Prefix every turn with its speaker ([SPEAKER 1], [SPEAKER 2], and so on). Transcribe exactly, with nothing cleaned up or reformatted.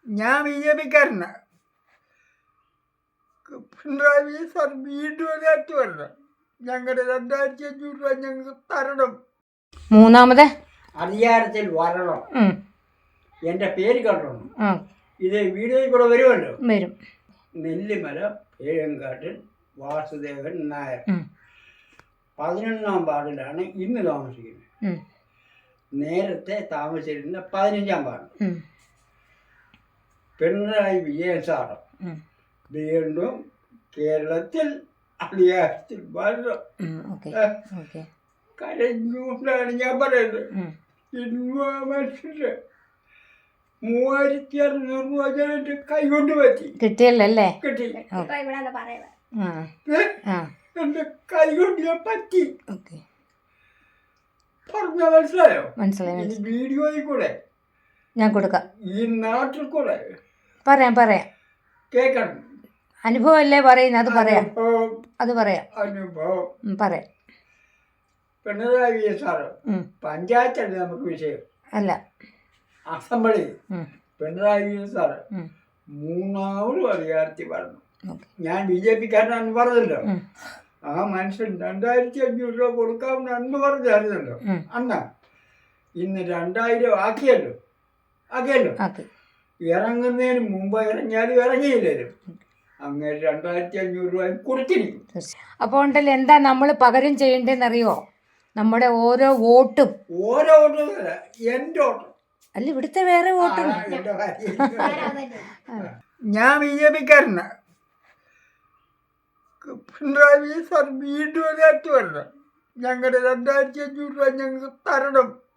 [SPEAKER 1] ഞാൻ B J പിക്കാരനാണ്. Pinarayi Vijayan sir വീണ്ടും അതിനകത്ത് വരണം. ഞങ്ങളുടെ രണ്ടായിരത്തി അഞ്ഞൂറ് രൂപ ഞങ്ങൾക്ക് തരണം.
[SPEAKER 2] മൂന്നാമത്
[SPEAKER 1] അധികാരത്തിൽ വരണം.
[SPEAKER 2] ഉം.
[SPEAKER 1] എൻ്റെ പേര് കണ്ടോണം.
[SPEAKER 2] ആ
[SPEAKER 1] ഇത് വീഡിയോയിൽ കൂടെ വരുമല്ലോ.
[SPEAKER 2] വരും.
[SPEAKER 1] നെല്ലിമല പേഴങ്കാട്ടിൽ വാസുദേവൻ നായർ
[SPEAKER 2] ഉം.
[SPEAKER 1] പതിനൊന്നാം വാർഡിലാണ് ഇന്ന് താമസിക്കുന്നത്.
[SPEAKER 2] ഉം.
[SPEAKER 1] നേരത്തെ താമസിച്ചിരുന്ന പതിനഞ്ചാം വാർഡ്.
[SPEAKER 2] ഉം.
[SPEAKER 1] പിണറായി വിജയൻ സാറ്
[SPEAKER 2] ഉം.
[SPEAKER 1] വീണ്ടും കേരളത്തിൽ അധികാരത്തിൽ വരണം.
[SPEAKER 2] ഉം. Okay okay.
[SPEAKER 1] കരഞ്ഞുകൊണ്ടാണ് ഞാൻ പറയുന്നത്.
[SPEAKER 2] ഉം.
[SPEAKER 1] ഇന്ന് മനുഷ്യര് മൂവായിരത്തി അറുന്നൂറ് രൂപ ഞാൻ എൻ്റെ കൈകൊണ്ട് പറ്റി
[SPEAKER 2] കിട്ടിയല്ലേ?
[SPEAKER 1] കിട്ടി.
[SPEAKER 2] ആ
[SPEAKER 1] ഏ?
[SPEAKER 2] ആ
[SPEAKER 1] എൻ്റെ കൈകൊണ്ട് ഞാൻ പറ്റി.
[SPEAKER 2] ഓക്കെ
[SPEAKER 1] പറഞ്ഞ മനസ്സിലായോ?
[SPEAKER 2] മനസ്സിലായി
[SPEAKER 1] ഈ
[SPEAKER 2] മനസ്സിലായി.
[SPEAKER 1] വീഡിയോയിൽ കൂടെ
[SPEAKER 2] ഞാൻ കൊടുക്കാം.
[SPEAKER 1] ഈ നാട്ടിൽ കൂടെ
[SPEAKER 2] പറയാം പറയാം.
[SPEAKER 1] കേൾക്കണം.
[SPEAKER 2] അനുഭവം അല്ലേ പറയുന്നത്, അത് പറയാം.
[SPEAKER 1] അനുഭവം
[SPEAKER 2] അത് പറയാം.
[SPEAKER 1] അനുഭവം
[SPEAKER 2] ഉം, പറയാം.
[SPEAKER 1] പിണറായി വിജയൻ സാറ്
[SPEAKER 2] ഉം.
[SPEAKER 1] പഞ്ചായത്തല്ല നമുക്ക് വിഷയം.
[SPEAKER 2] അല്ല.
[SPEAKER 1] അസംബ്ലി
[SPEAKER 2] ഉം.
[SPEAKER 1] പിണറായി വിജയൻ സാറ്
[SPEAKER 2] ഉം.
[SPEAKER 1] മൂന്നാമതും അധികാരത്തിൽ വരണം.
[SPEAKER 2] ഓക്കെ.
[SPEAKER 1] ഞാൻ ബി ജെ പിക്കാരനാണെന്ന് പറഞ്ഞല്ലോ.
[SPEAKER 2] ഉം.
[SPEAKER 1] ആ മനുഷ്യൻ രണ്ടായിരത്തി അഞ്ഞൂറ് രൂപ കൊടുക്കാമെന്ന് അന്ന് പറഞ്ഞായിരുന്നല്ലോ.
[SPEAKER 2] ഉം.
[SPEAKER 1] അന്ന ഇന്ന് രണ്ടായിരം ആക്കിയല്ലോ ആക്കിയല്ലോ
[SPEAKER 2] ഓക്കെ.
[SPEAKER 1] ഇറങ്ങുന്നതിന് മുമ്പ് ഇറങ്ങിയാലും ഇറങ്ങിയില്ലല്ലോ. അങ്ങനെ രണ്ടായിരത്തി അഞ്ഞൂറ് രൂപ കൊടുത്തിരിക്കും.
[SPEAKER 2] അപ്പോൾ ഉണ്ടല്ലോ എന്താ നമ്മൾ പകരം ചെയ്യേണ്ടതെന്നറിയോ? നമ്മുടെ ഓരോ വോട്ടും
[SPEAKER 1] ഓരോ ഓട്ടമല്ല, എൻ്റെ ഓട്ടം
[SPEAKER 2] അല്ല, ഇവിടുത്തെ വേറെ വോട്ടും.
[SPEAKER 1] ഞാൻ ബി ജെ പിക്കാരനാണ്. പിണറായി വിജയൻ സാർ വീണ്ടും അതിനകത്ത് വരണം. ഞങ്ങളുടെ രണ്ടായിരത്തി അഞ്ഞൂറ് രൂപ ഞങ്ങൾക്ക് തരണം.